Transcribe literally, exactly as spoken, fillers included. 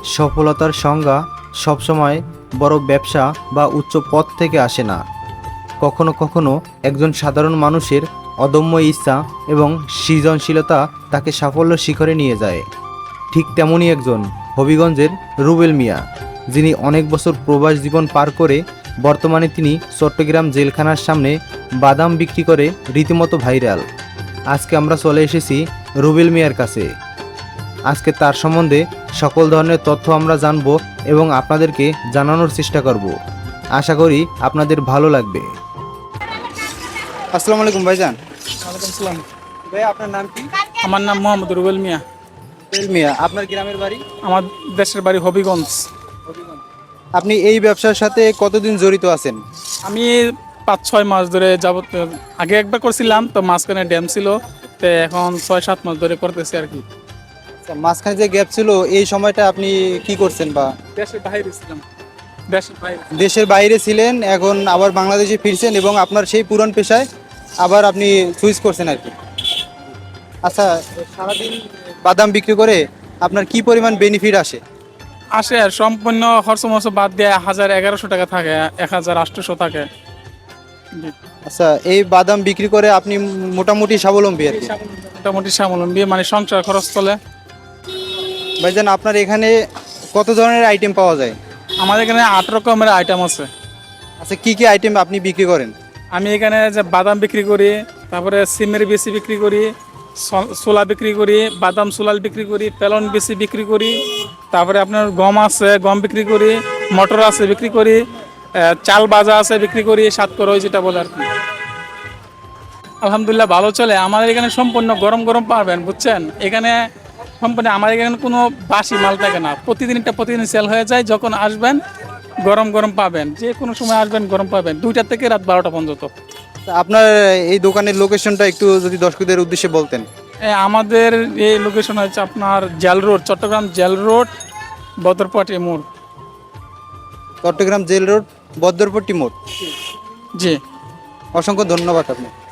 সফলতার সংজ্ঞা সবসময় বড় ব্যবসা বা উচ্চ পদ থেকে আসে না। কখনো কখনো একজন সাধারণ মানুষের অদম্য ইচ্ছা এবং সৃজনশীলতা তাকে সাফল্য শিখরে নিয়ে যায়। ঠিক তেমনই একজন হবিগঞ্জের রুবেল মিয়া, যিনি অনেক বছর প্রবাস জীবন পার করে বর্তমানে তিনি চট্টগ্রাম জেলখানার সামনে বাদাম বিক্রি করে রীতিমতো ভাইরাল। আজকে আমরা চলে এসেছি রুবেল মিয়ার কাছে। আজকে তার সম্বন্ধে সকল ধরনের তথ্য আমরা জানব এবং আপনাদেরকে জানানোর চেষ্টা করব। আশা করি আপনাদের ভালো লাগবে। আসসালামু আলাইকুম ভাইজান। ওয়ালাইকুম আসসালাম। ভাই আপনার নাম কি? আমার নাম মোহাম্মদ রুবেল মিয়া। রুবেল মিয়া, আপনার গ্রামের বাড়ি? আমার দেশের বাড়ি হবিগঞ্জ। আপনি এই ব্যবসার সাথে কতদিন জড়িত আছেন? আমি পাঁচ ছয় মাস ধরে যাবত, আগে একবার করছিলাম তো মাঝখানে ড্যাম ছিল, তো এখন ছয় সাত মাস ধরে করতেছি আর কি। মাঝখানে যে গ্যাপ ছিল এই সময়টা আপনি কি করছেন? বা দেশের বাইরে ছিলাম, দেশের বাইরে। দেশের বাইরে ছিলেন, এখন আবার বাংলাদেশে ফিরছেন এবং আপনার সেই পুরান পেশায় আবার আপনি সুইচ করছেন আর কি। আচ্ছা, সারাদিন বাদাম বিক্রি করে আপনার কি পরিমাণ বেনিফিট আসে? আসে আর সম্পূর্ণ খরচ মরচ বাদ দিয়ে হাজার এগারোশো টাকা থাকে, এক হাজার আটশোশো থাকে। জি। আচ্ছা, এই বাদাম বিক্রি করে আপনি মোটামুটি স্বাবলম্বী আর কি? মোটামুটি স্বাবলম্বী, মানে সংসার খরচ চলে। ভাইজান, আপনার এখানে কত ধরনের আইটেম পাওয়া যায়? আমাদের এখানে আট রকমের আইটেম আছে। আচ্ছা, কি কি আইটেম আপনি বিক্রি করেন? আমি এখানে যে বাদাম বিক্রি করি, তারপরে সিমের বেশি বিক্রি করি, ছোলা বিক্রি করি, বাদাম সোলাল বিক্রি করি, পেলন বেশি বিক্রি করি, তারপরে আপনার গম আছে গম বিক্রি করি, মটর আছে বিক্রি করি, চাল বাজা আছে বিক্রি করি, সাতকরই যেটা বলে আর কি। আলহামদুলিল্লাহ ভালো চলে। আমাদের এখানে সম্পূর্ণ গরম গরম পাবেন, বুঝছেন। এখানে সম্পূর্ণ আমাদের এখানে কোনো বাসি মাল থাকে না, প্রতিদিনটা প্রতিদিন সেল হয়ে যায়। যখন আসবেন গরম গরম পাবেন, যে কোনো সময় আসবেন গরম পাবেন, দুইটা থেকে রাত বারোটা পর্যন্ত। আপনার এই দোকানের লোকেশনটা একটু যদি দর্শকদের উদ্দেশ্যে বলতেন। আমাদের এই লোকেশন হচ্ছে আপনার jail road, Chittagong jail road, Badarpati মোড়। চট্টগ্রাম জেল রোড, বদরপট্টি মোড়। জি, অসংখ্য ধন্যবাদ আপনি।